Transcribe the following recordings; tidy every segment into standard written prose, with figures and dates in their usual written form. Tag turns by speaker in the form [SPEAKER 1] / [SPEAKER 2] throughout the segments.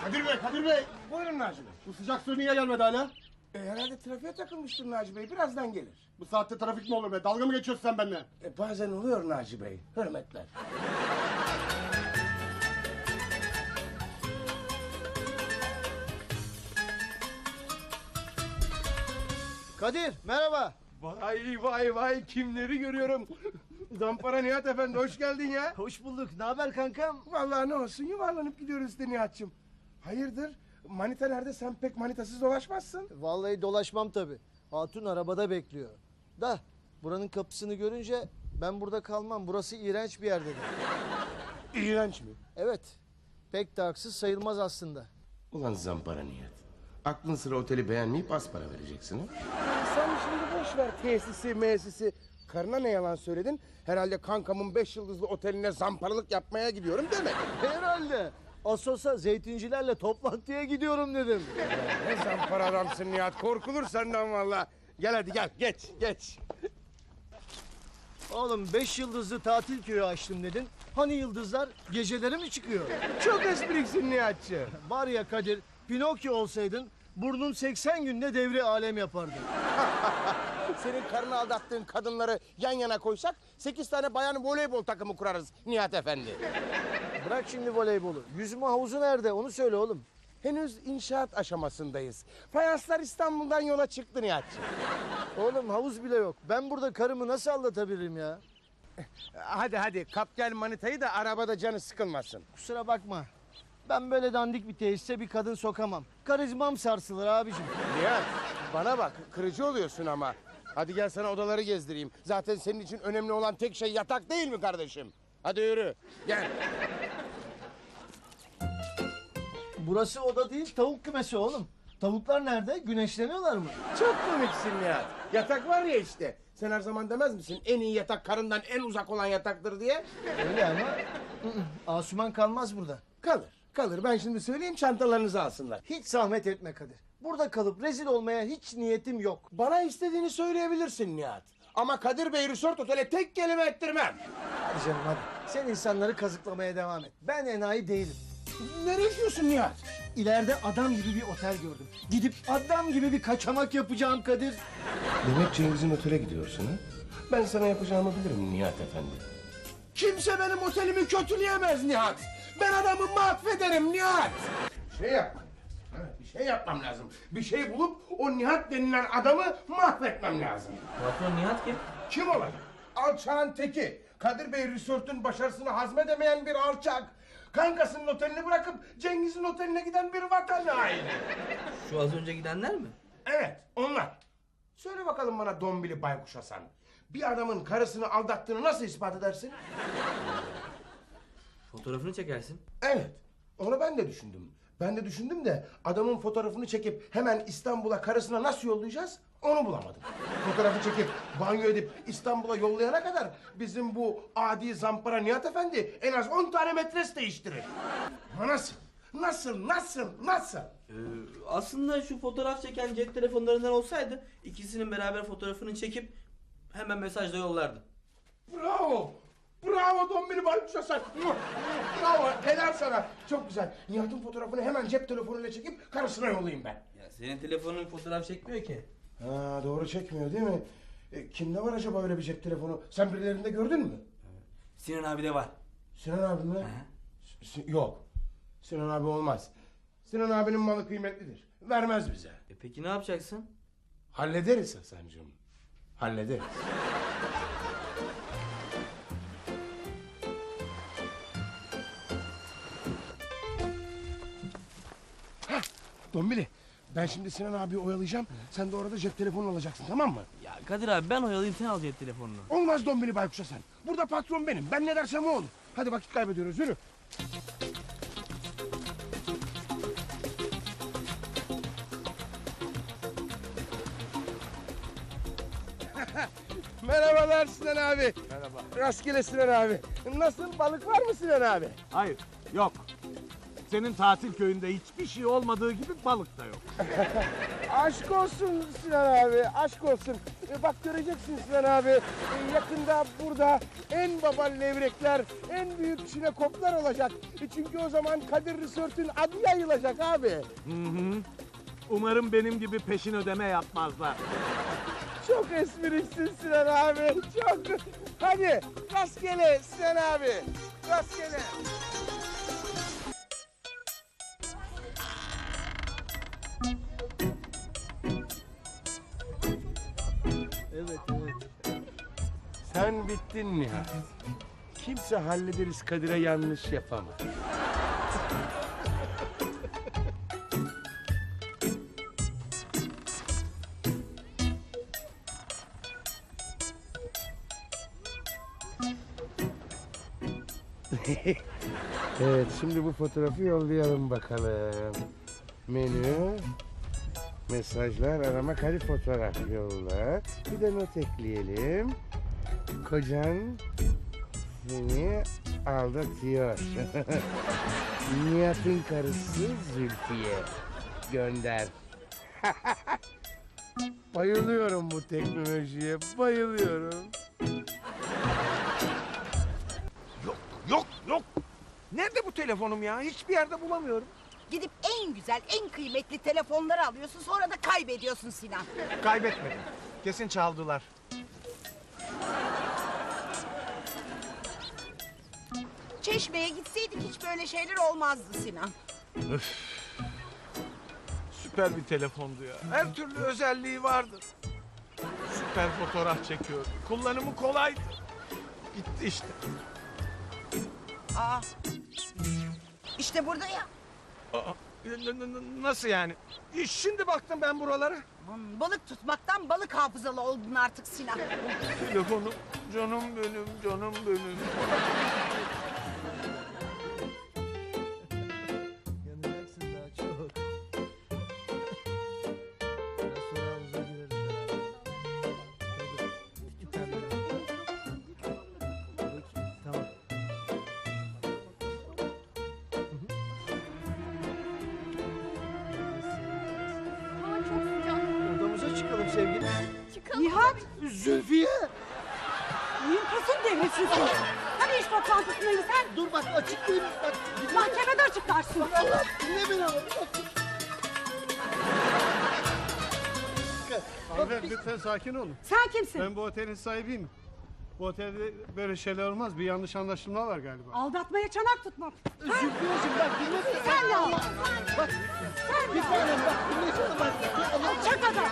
[SPEAKER 1] Kadir Bey.
[SPEAKER 2] Buyurun Naci Bey.
[SPEAKER 1] Bu sıcak su niye gelmedi hala?
[SPEAKER 2] Herhalde trafiğe takılmıştır Naci Bey. Birazdan gelir.
[SPEAKER 1] Bu saatte trafik mi olur be? Dalga mı geçiyorsun sen benimle?
[SPEAKER 2] Bazen oluyor Naci Bey. Hürmetler.
[SPEAKER 3] Kadir merhaba.
[SPEAKER 2] Vay kimleri görüyorum. Zampara Nihat Efendi hoş geldin ya.
[SPEAKER 3] Hoş bulduk. Ne haber kankam?
[SPEAKER 2] Vallahi ne olsun yuvarlanıp gidiyoruz işte Nihat'cığım. Hayırdır? Manita nerede? Sen pek manitasız dolaşmazsın.
[SPEAKER 3] Vallahi dolaşmam tabii. Hatun arabada bekliyor. Da buranın kapısını görünce ben burada kalmam. Burası iğrenç bir yer dedim.
[SPEAKER 2] İğrenç mi?
[SPEAKER 3] Evet. Pek de haksız sayılmaz aslında.
[SPEAKER 4] Ulan Zampara Nihat. Aklın sıra oteli beğenmeyip az para vereceksin ha?
[SPEAKER 2] Sen şimdi boş ver tesisi. Karına ne yalan söyledin? Herhalde kankamın 5 yıldızlı oteline zamparalık yapmaya gidiyorum demedin.
[SPEAKER 3] Herhalde. Asos'a zeytincilerle toplantıya gidiyorum dedim.
[SPEAKER 2] Ne zampara adamsın Nihat. Korkulur senden vallahi. Gel hadi gel geç.
[SPEAKER 3] Oğlum 5 yıldızlı tatil köyü açtım dedin. Hani yıldızlar geceleri mi çıkıyor?
[SPEAKER 2] Çok espriksin Nihat'cığım.
[SPEAKER 3] Var ya Kadir, Pinokyo olsaydın burnun 80 günde devri alem yapardı.
[SPEAKER 2] Senin karını aldattığın kadınları yan yana koysak 8 tane bayan voleybol takımı kurarız Nihat Efendi.
[SPEAKER 3] Bırak şimdi voleybolu. Yüzme havuzu nerede? Onu söyle oğlum.
[SPEAKER 2] Henüz inşaat aşamasındayız. Fayanslar İstanbul'dan yola çıktı Nihat'cığım.
[SPEAKER 3] Oğlum havuz bile yok. Ben burada karımı nasıl aldatabilirim ya?
[SPEAKER 2] Hadi kap gel manitayı da arabada canı sıkılmasın.
[SPEAKER 3] Kusura bakma. Ben böyle dandik bir tesise bir kadın sokamam. Karizmam sarsılır abicim.
[SPEAKER 2] Nihat bana bak kırıcı oluyorsun ama. Hadi gel sana odaları gezdireyim. Zaten senin için önemli olan tek şey yatak değil mi kardeşim? Hadi yürü gel.
[SPEAKER 3] Burası oda değil tavuk kümesi oğlum. Tavuklar nerede? Güneşleniyorlar mı?
[SPEAKER 2] Çok komiksin Nihat. Yatak var ya işte. Sen her zaman demez misin en iyi yatak karından en uzak olan yataktır diye?
[SPEAKER 3] Öyle ama Asuman kalmaz burada.
[SPEAKER 2] Kalır. Ben şimdi söyleyeyim çantalarınızı alsınlar.
[SPEAKER 3] Hiç zahmet etme Kadir. Burada kalıp rezil olmaya hiç niyetim yok.
[SPEAKER 2] Bana istediğini söyleyebilirsin Nihat. Ama Kadir Bey Resort Otel'e tek kelime ettirmem.
[SPEAKER 3] Hadi canım hadi. Sen insanları kazıklamaya devam et. Ben enayi değilim.
[SPEAKER 2] Nereye gidiyorsun Nihat?
[SPEAKER 3] İleride adam gibi bir otel gördüm. Gidip adam gibi bir kaçamak yapacağım Kadir.
[SPEAKER 4] Demek Cengiz'in otele gidiyorsun ha? Ben sana yapacağımı bilirim Nihat Efendi.
[SPEAKER 2] Kimse benim otelimi kötüleyemez Nihat. Ben adamı mahvederim Nihat. Bir şey yapmam lazım. Bir şey bulup o Nihat denilen adamı mahvetmem lazım.
[SPEAKER 5] Patron Nihat kim?
[SPEAKER 2] Kim olacak? Alçağın teki. Kadir Bey Resort'un başarısını hazmedemeyen bir alçak. Kankasının otelini bırakıp Cengiz'in oteline giden bir vatan haini.
[SPEAKER 5] Şu az önce gidenler mi?
[SPEAKER 2] Evet, onlar. Söyle bakalım bana Dombili Baykuş Hasan. Bir adamın karısını aldattığını nasıl ispat edersin?
[SPEAKER 5] Fotoğrafını çekersin.
[SPEAKER 2] Evet, onu ben de düşündüm. Ben de düşündüm de adamın fotoğrafını çekip hemen İstanbul'a karısına nasıl yollayacağız onu bulamadım. Fotoğrafı çekip banyo edip İstanbul'a yollayana kadar bizim bu adi zampara Nihat Efendi en az 10 tane metres değiştirir. Ama nasıl?
[SPEAKER 5] Aslında şu fotoğraf çeken cep telefonlarından olsaydı ikisinin beraber fotoğrafını çekip hemen mesajla yollardı.
[SPEAKER 2] Bravo Dombili Baykuş Hasan. Bravo, helal sana. Çok güzel. Nihat'ın fotoğrafını hemen cep telefonuyla çekip karısına yollayayım ben.
[SPEAKER 5] Ya senin telefonun fotoğraf çekmiyor ki.
[SPEAKER 2] Ha, doğru çekmiyor değil mi? Kimde var acaba öyle bir cep telefonu? Sen birilerinde gördün mü?
[SPEAKER 5] Sinan abi de var.
[SPEAKER 2] Sinan abi mi? Yok. Sinan abi olmaz. Sinan abinin malı kıymetlidir. Vermez bize.
[SPEAKER 5] Peki ne yapacaksın?
[SPEAKER 2] Hallederiz Hasancığım. Hallederiz. Hah, Dombili. Ben şimdi Sinan abiyi oyalayacağım. Sen de orada cep telefonu alacaksın, tamam mı?
[SPEAKER 5] Ya Kadir abi ben oyalayayım sen al cep telefonunu.
[SPEAKER 2] Olmaz Dombili Baykuş Hasan. Burada patron benim. Ben ne dersem o olur. Hadi vakit kaybediyoruz. Yürü. Merhabalar Sinan abi. Merhaba. Rastgele Sinan abi. Nasıl, balık var mı Sinan abi?
[SPEAKER 6] Hayır, yok. Senin tatil köyünde hiçbir şey olmadığı gibi balık da yok.
[SPEAKER 2] Aşk olsun Sinan abi, aşk olsun. Bak göreceksin Sinan abi. Yakında burada en baba levrekler, en büyük çinekoplar olacak. Çünkü o zaman Kadir Resort'un adı yayılacak abi.
[SPEAKER 6] Umarım benim gibi peşin ödeme yapmazlar.
[SPEAKER 2] Çok espriksin Sinan abi, çok. Hadi rastgele Sinan abi, rastgele.
[SPEAKER 3] Evet evet.
[SPEAKER 4] Sen bittin Nihat. Kimse hallederiz Kadir'e yanlış yapamaz. Evet, şimdi bu fotoğrafı yollayalım bakalım. Menü, mesajlar, arama, kare fotoğraf yolla. Bir de not ekleyelim. Kocan seni aldatıyor. Nihat'ın karısı Zülfiye. Gönder. Bayılıyorum bu teknolojiye, bayılıyorum.
[SPEAKER 7] Yok. Nerede bu telefonum ya? Hiçbir yerde bulamıyorum.
[SPEAKER 8] Gidip en güzel, en kıymetli telefonları alıyorsun, sonra da kaybediyorsun Sinan.
[SPEAKER 7] Kaybetmedim. Kesin çaldılar.
[SPEAKER 8] Çeşmeye gitseydik hiç böyle şeyler olmazdı Sinan.
[SPEAKER 7] Süper bir telefondu ya. Her türlü özelliği vardı. Süper fotoğraf çekiyor. Kullanımı kolaydı. Gitti işte.
[SPEAKER 8] Aa, işte burada ya.
[SPEAKER 7] Nasıl yani? Şimdi baktım ben buralara.
[SPEAKER 8] Balık tutmaktan balık hafızalı oldun artık Sinan.
[SPEAKER 7] Telefonum, canım benim, canım benim.
[SPEAKER 3] Yanacaksın daha çok. Biraz sonra havuza gireriz beraber. Tabii. Küçük kamera. Peki, tamam.
[SPEAKER 9] Hava çok sıcak.
[SPEAKER 3] Odamıza çıkalım sevgilim.
[SPEAKER 9] Çıkalım.
[SPEAKER 8] Nihat,
[SPEAKER 3] Zülfiye!
[SPEAKER 8] Nimpas'ın devresin sen. Hani iş toplantısındayım sen?
[SPEAKER 3] Dur bak açıklayayım. Bak,
[SPEAKER 8] Mahkemede açıklarsın.
[SPEAKER 3] Allah dinle beni ama.
[SPEAKER 1] Hanımefendi lütfen sakin olun.
[SPEAKER 8] Sen kimsin?
[SPEAKER 1] Ben bu otelin sahibiyim. Bu otelde böyle şeyler olmaz. Bir yanlış anlaşılma var galiba.
[SPEAKER 8] Aldatmaya çanak tutmak.
[SPEAKER 3] Zülfiyeciğim bak dinle beni.
[SPEAKER 8] Sen de al.
[SPEAKER 3] Bak bir tanem bak dinlesene bak.
[SPEAKER 8] Alçak adam.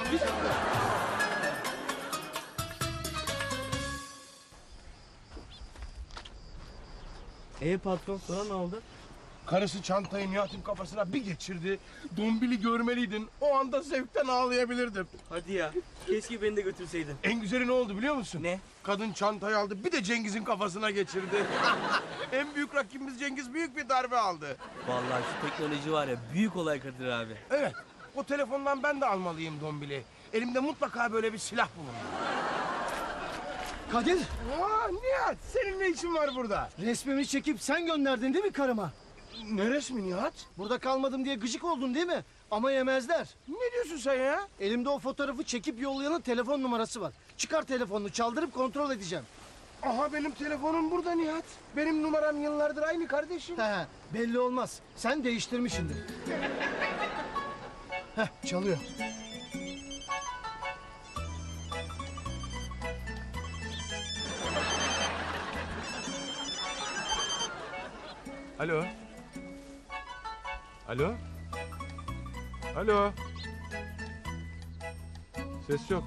[SPEAKER 5] Patron sonra ne oldu?
[SPEAKER 2] Karısı çantayı Nihat'ın kafasına bir geçirdi. Dombili görmeliydin. O anda zevkten ağlayabilirdim.
[SPEAKER 5] Hadi ya. Keşke beni de götürseydin.
[SPEAKER 2] En güzeli ne oldu biliyor musun?
[SPEAKER 5] Ne?
[SPEAKER 2] Kadın çantayı aldı bir de Cengiz'in kafasına geçirdi. En büyük rakibimiz Cengiz büyük bir darbe aldı.
[SPEAKER 5] Vallahi şu teknoloji var ya büyük olay Kadir abi.
[SPEAKER 2] Evet, o telefondan ben de almalıyım Dombili. Elimde mutlaka böyle bir silah bulunur.
[SPEAKER 3] Kadir
[SPEAKER 2] Aa, Nihat, senin ne işin var burada?
[SPEAKER 3] resmimi çekip sen gönderdin değil mi karıma?
[SPEAKER 2] Ne resmi Nihat?
[SPEAKER 3] Burada kalmadım diye gıcık oldun değil mi? Ama yemezler.
[SPEAKER 2] Ne diyorsun sen ya?
[SPEAKER 3] Elimde o fotoğrafı çekip yollayanın telefon numarası var. Çıkar telefonunu çaldırıp kontrol edeceğim.
[SPEAKER 2] Aha benim telefonum burada Nihat. Benim numaram yıllardır aynı kardeşim.
[SPEAKER 3] He, belli olmaz. Sen değiştirmişsindir. Heh, çalıyor.
[SPEAKER 7] Alo. Alo. Alo. Ses yok.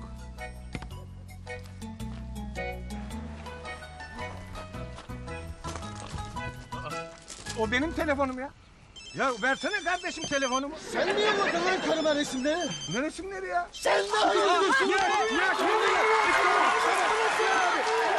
[SPEAKER 7] O benim telefonum ya. Ya versene kardeşim telefonumu.
[SPEAKER 3] Sen mi yolladın lan karıma resimleri?
[SPEAKER 7] Ne resimleri ya?
[SPEAKER 3] Sen de hayırdır?
[SPEAKER 7] Ya şimdi ya. İstemem.